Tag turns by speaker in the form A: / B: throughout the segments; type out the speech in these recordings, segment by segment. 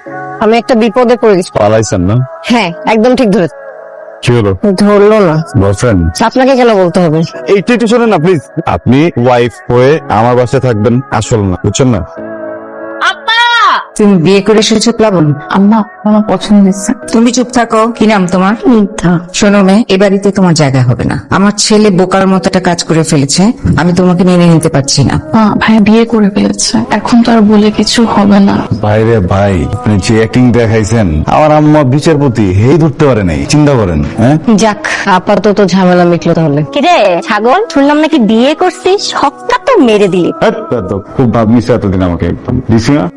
A: আমি একটা বিপদে পড়ে গেছি।
B: পালাইছেন না?
A: হ্যাঁ, একদম ঠিক ধরে
B: কি হলো?
A: ধরলো না।
B: বয়ফ্রেন্ড?
A: আপনাকে কেন বলতে হবে?
B: এইটা একটু শোনেন না প্লিজ। আপনি ওয়াইফ হয়ে আমার বাসায় থাকবেন, আসল না, বুঝছেন না?
C: তুমি বিয়ে করে এসেছো প্লাবন?
D: আম্মা আমার পছন্দ হয়েছে।
C: তুমি চুপ থাকো। কি নাম তোমার?
D: মিথ্যা।
C: শোনো মেয়ে, এ বাড়িতে তোমার জায়গা হবে না। আমার ছেলে বোকার মতো একটা কাজ করে ফেলেছে, আমি তোমাকে মেনে নিতে পারছি না।
D: মা, ভাইয়া বিয়ে করে ফেলেছে, এখন তো আর বলে কিছু হবে না।
B: ভাইরে ভাই, আপনি যে অ্যাক্টিং দেখাইছেন, আমার আম্মা বিচারপতি হেই ধরতে পারে নাই, চিন্তা করেন। হ্যাঁ,
A: যাক, আপাতত ঝামেলা মিটলো তাহলে।
E: কিরে ছাগল, শুনলাম নাকি বিয়ে করছিস, সবটা তো মেরে দিলি।
B: খুব ভাব নিছে এতদিন আমাকে, একদম দিছি না।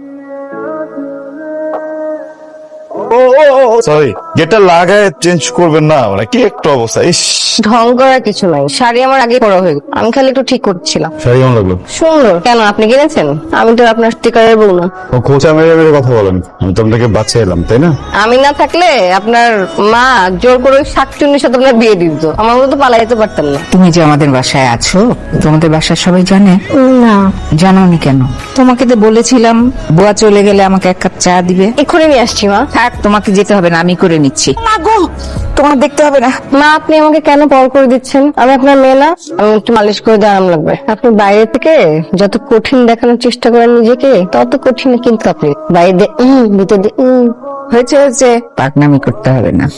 B: সরি, যেটা লাগায় চেঞ্জ করবেন না, মানে কি একটা অবস্থা। ইস,
A: ঢং করার কিছু নাই, শাড়ি আমার আগে পরা হয়ে গেল, আমি খালি একটু ঠিক করছিলাম।
B: শাড়ি কেমন লাগলো?
A: সুন্দর। কেন, আপনি কিনেছেন? আমি তো আপনার স্টিকারের বউ না।
B: ও খোঁচা মেরে মেরে কথা বলেন, আমি তো আপনাকে বাচ্চা এলাম, তাই না?
A: আমি না থাকলে আপনার মা জোর করে ওই শাকচুন্নির সাথে আপনার বিয়ে দিত, আমার মতো পালাই যেতে পারতেন না।
C: তুমি যে আমাদের বাসায় আছো, তোমাদের বাসার সবাই জানে?
A: না।
C: জানোনি কেন? তোমাকে তো বলেছিলাম বুয়া চলে গেলে আমাকে এক কাপ চা দিবে।
A: এক্ষুনি নিয়ে আসছি মা।
C: থাক, তোমাকে যেতে হবে না, আমি করে নিচ্ছি। মাগো, তোমার দেখতে হবে না।
A: মা, আপনি আমাকে কেন পর করে দিচ্ছেন? আমি আপনার মেয়ে না? আমি একটু মালিশ করে দিয়ে আরাম লাগবে। আপনি বাইরে থেকে যত কঠিন দেখানোর চেষ্টা করেন নিজেকে, তত কঠিন কিন্তু আপনি বাইরে দিয়ে ভিতর দিয়ে
C: হয়েছে হয়েছে, পাকনামি করতে হবে না।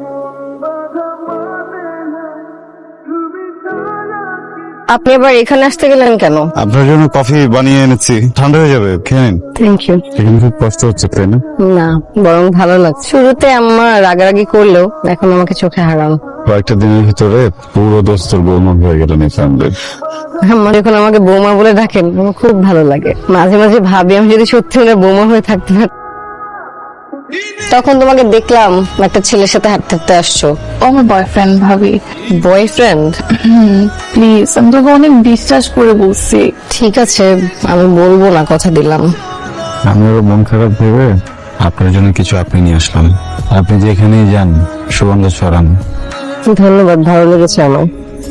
A: আপনি এবার এখানে আসতে গেলেন কেন?
B: আপনার জন্য কফি বানিয়ে এনেছি, ঠান্ডা হয়ে যাবে, খেয়ে নিন।
A: Thank you.
B: এখানে খুব কষ্ট হচ্ছে, তাই না?
A: না, বরং ভালো লাগছে। শুরুতে আম্মা রাগারাগি করলেও এখন আমাকে চোখে হারান।
B: কয়েকটা দিনের ভিতরে পুরো দোস্তর বৌমা হয়ে গেলেন এই ফ্যামিলির।
A: আম্মা যখন আমাকে বৌমা বলে ডাকেন, আমার খুব ভালো লাগে। মাঝে মাঝে ভাবি আমি যদি সত্যি ওনার বৌমা হয়ে থাকতে পারতাম। তখন তোমাকে দেখলাম একটা ছেলের সাথে হাঁটতে হাঁটতে আসছো।
D: ও আমার বয়ফ্রেন্ড ভাবি।
A: বয়ফ্রেন্ড?
D: প্লিজ, আমি তোকে অনেক বিশ্বাস করে বলছি।
A: ঠিক আছে, আমি বলবো না, কথা দিলাম।
B: আমি ওর মন খারাপ ভেবে আপনার জন্য কিছু আপনি নিয়ে আসলাম। আপনি যেখানেই যান সুগন্ধ ছড়ান।
A: ধন্যবাদ, ভালো লেগেছে আমার।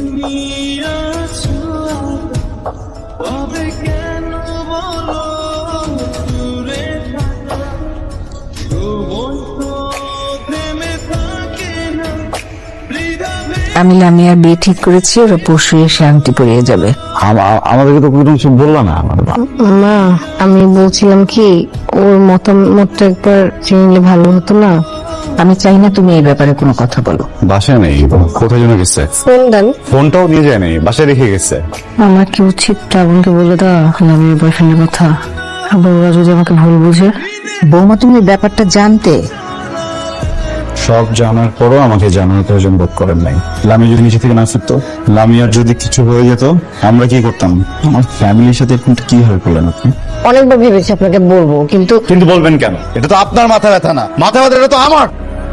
C: আমি লামিয়ার বিয়ে ঠিক করেছি, ওরা পরশু এসে আংটি পরিয়ে যাবে।
B: আমাদেরকে তো কোনো কিছু বললো না।
A: মা, আমি বলছিলাম কি, ওর মতামতটা একবার চিনলে ভালো হতো না?
C: আমি চাই না তুমি এই ব্যাপারে কোনো কথা বলো।
B: বাসায় নেই, কোথায় যেন গেছে।
A: ফোন দেন।
B: ফোনটাও নিয়ে যায় নাই, বাসায় রেখে গেছে।
A: আমার কি উচিত শ্রাবণকে বলে দেওয়া লামিয়ার বয়ফ্রেন্ডের কথা? আবার ওরা যদি আমাকে ভুল বুঝে?
C: বৌমা, তুমি এই ব্যাপারটা জানতে?
B: সব জানার পরও আমাকে জানার প্রয়োজন বোধ করেন নাই। লামিয়া যদি নিচে থেকে না ফিরতো, লামিয়ার যদি কিছু হয়ে যেত, আমরা কি করতাম? আমার ফ্যামিলির সাথে এরকমটা কি হয়ে করলেন আপনি?
A: অনেকবার ভেবেছি আপনাকে বলবো, কিন্তু
B: কিন্তু বলবেন কেন? এটা তো আপনার মাথা ব্যথা না, মাথা ব্যথা এটা তো আমার।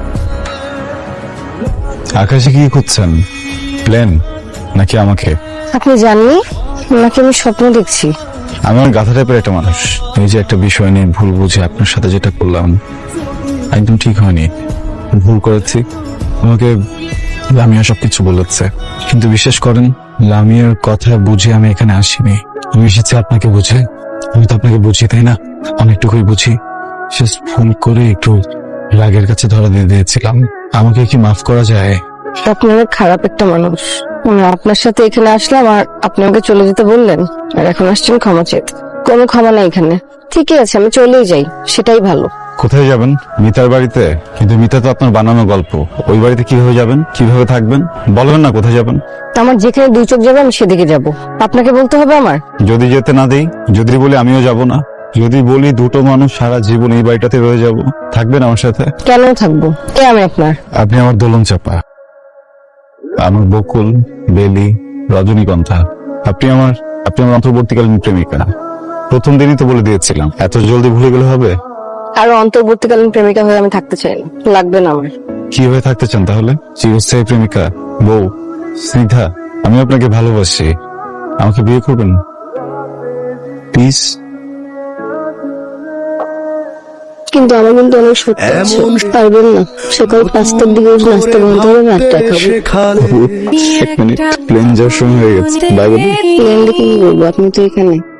B: আকাশে কি খুঁজছেন? প্লেন নাকি আমাকে?
A: আপনি জাননি নাকি আমি স্বপ্ন দেখছি?
B: আমি আমার গাধা টাইপের একটা মানুষ। এই যে একটা বিষয় নিয়ে ভুল বুঝে আপনার সাথে যেটা করলাম, একদম ঠিক হয়নি। ভুল করেছি। আমাকে লামিয়া সবকিছু বলেছে, কিন্তু বিশ্বাস করেন, লামিয়ার কথা বুঝে আমি এখানে আসিনি। আমি এসেছি আপনাকে বুঝে। আমি তো আপনাকে বুঝি, তাই না? অনেকটুকুই বুঝি। শেষ ফোন করে একটু রাগের কাছে ধরা দিয়ে দিয়েছিলাম। আমাকে কি মাফ করা যায়?
A: আপনি অনেক খারাপ একটা মানুষ। আমি আপনার সাথে এখানে আসলাম আর আপনি আমাকে চলে যেতে বললেন, আর এখন আসছেন ক্ষমা চেতে। কোনো ক্ষমা নাই এখানে। ঠিকই আছে, আমি চলেই যাই, সেটাই ভালো।
B: কোথায় যাবেন? মিতার বাড়িতে? কিন্তু মিতা তো আপনার বানানো গল্প। ওই বাড়িতে কিভাবে যাবেন, কিভাবে থাকবেন? বলবেন না কোথায় যাবেন?
A: আমার যেখানে দুই চোখ যাবে আমি সেদিকে যাব। আপনাকে বলতে হবে আমার?
B: যদি যেতে না দেই, যদি বলি আমিও যাব না, যদি বলি দুটো মানুষ সারা জীবন এই বাড়িটাতে রয়ে যাব, থাকবেন আমার সাথে?
A: কেন থাকবো? কে আমি আপনার?
B: আপনি আমার দোলন চাপা, আমার বকুল, বেলি, রজনীগন্ধা। আপনি আমার অন্তর্বর্তীকালীন প্রেমিকা। প্রথম দিনই তো বলে দিয়েছিলাম, এত জলদি ভুলে গেলে হবে?
A: আরো অন্তর্বর্তীকালীন প্রেমিকা হয়ে আমি থাকতে চাই না, লাগবে না আমার।
B: কি হয়ে থাকতে চান তাহলে? চিরস্থায়ী প্রেমিকা, বউ, স্নিগ্ধা? আমি আপনাকে ভালোবাসি, আমাকে বিয়ে করবেন প্লিজ?
A: কিন্তু আমার কিন্তু অনেক সত্যি আছে, পারবেন না? সকাল 5টার দিকে নাস্তা বন্ধ হবে, 8টায় খাবো।
B: এক মিনিট, প্লেন যাওয়ার সময় হয়ে গেছে, বাই বলি।
A: প্লেন দেখে কি বলবো, আপনি তো এখানে।